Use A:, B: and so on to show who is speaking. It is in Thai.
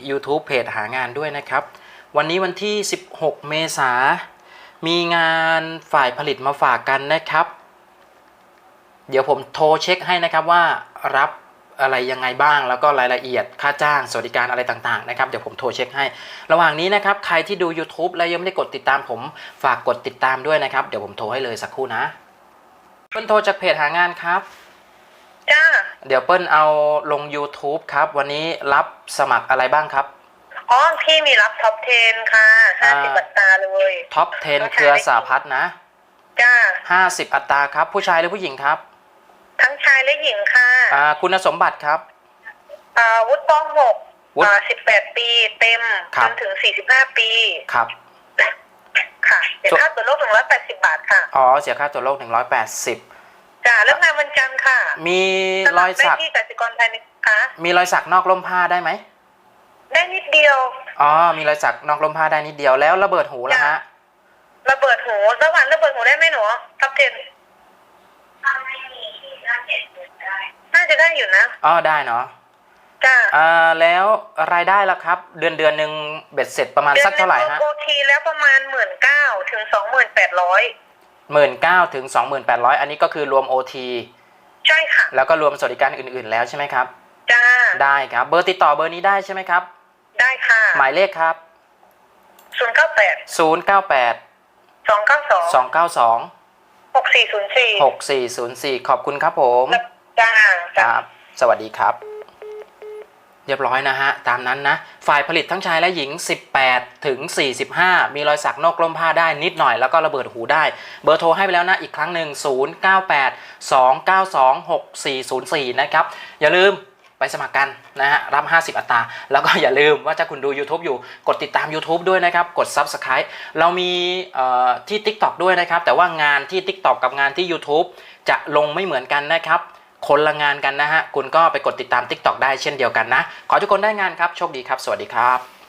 A: YouTube เพจหางานด้วยนะครับวันนี้วันที่16เมษายนมีงานฝ่ายผลิตมาฝากกันนะครับเดี๋ยวผมโทรเช็คให้นะครับว่ารับอะไรยังไงบ้างแล้วก็รายละเอียดค่าจ้างสวัสดิการอะไรต่างๆนะครับเดี๋ยวผมโทรเช็คให้ระหว่างนี้นะครับใครที่ดู YouTube แล้วยังไม่ได้กดติดตามผมฝากกดติดตามด้วยนะครับเดี๋ยวผมโทรให้เลยสักครู่นะเปิ้ลโทรจากเพจหางานครับ
B: จ้า
A: เดี๋ยวเปิ้ลเอาลง YouTube ครับวันนี้รับสมัครอะไรบ้างครับ
B: อ๋อพี่มีรับท็อป 10 ค่ะ50 อัตราเลย
A: ท็อป 10 เครือสาพัฒน์นะ
B: จ้า
A: 50 อัตราครับผู้ชายหรือผู้หญิงครับ
B: ทั้งชายและหญิงค่ะ
A: คุณสมบัติครับ
B: วุฒิป.6 18 ปีเต็มจนถึง45 ปี
A: ครับ
B: ค่ะเสียค่าตัวโลก180 บาทค่ะ
A: อ๋อเสียค่าตัวโลก180
B: จ้าเริ่มงานวันจันทร์ค่ะ
A: มีรอยสัก
B: ที่กสิกรไทยนะคะ
A: มีรอยสักนอกร่มผ้าได้ไหม
B: ได้นิดเดียว
A: อ๋อมีรอยสักนอกร่มผ้าได้นิดเดียวแล้วระเบิดหูล่ะฮะ
B: ระเบิดหูระหว่างระเบิดหูได้ไหมหนูท็อป 10น่าจะได้อยู่นะ
A: อ๋อได้เนาะ
B: จ้า
A: แล้วรายได้ล่ะครับเดือนหนึ่งเบ็ดเสร็จประมาณสักเท่าไหร่ฮะ
B: โอทีแล้วประมาณ19,000 ถึง 28,000
A: 19,000 ถึง 28,000อันนี้ก็คือรวม OT
B: ใช่ค่ะ
A: แล้วก็รวมสวัสดิการอื่นๆแล้วใช่ไหมครับ
B: จ้า
A: ได้ครับเบอร์ติดต่อเบอร์นี้ได้ใช่ไหมครับ
B: ได้ค่ะ
A: หมายเลขครับ
B: 098 292
A: 6404 ขอบคุณครับผม
B: จ้า
A: ครับสวัสดีครับเรียบร้อยนะฮะตามนั้นนะฝ่ายผลิตทั้งชายและหญิง18 ถึง 45มีรอยสักนอกร่มผ้าได้นิดหน่อยแล้วก็ระเบิดหูได้เบอร์โทรให้ไปแล้วนะอีกครั้งหนึ่ง0982926404นะครับอย่าลืมไปสมัครกันนะฮะรับ50 อัตราแล้วก็อย่าลืมว่าถ้าคุณดู YouTube อยู่กดติดตาม YouTube ด้วยนะครับกด Subscribe เรามีที่ TikTok ด้วยนะครับแต่ว่างานที่ TikTok กับงานที่ YouTube จะลงไม่เหมือนกันนะครับคนละงานกันนะฮะคุณก็ไปกดติดตาม TikTok ได้เช่นเดียวกันนะขอทุกคนได้งานครับโชคดีครับสวัสดีครับ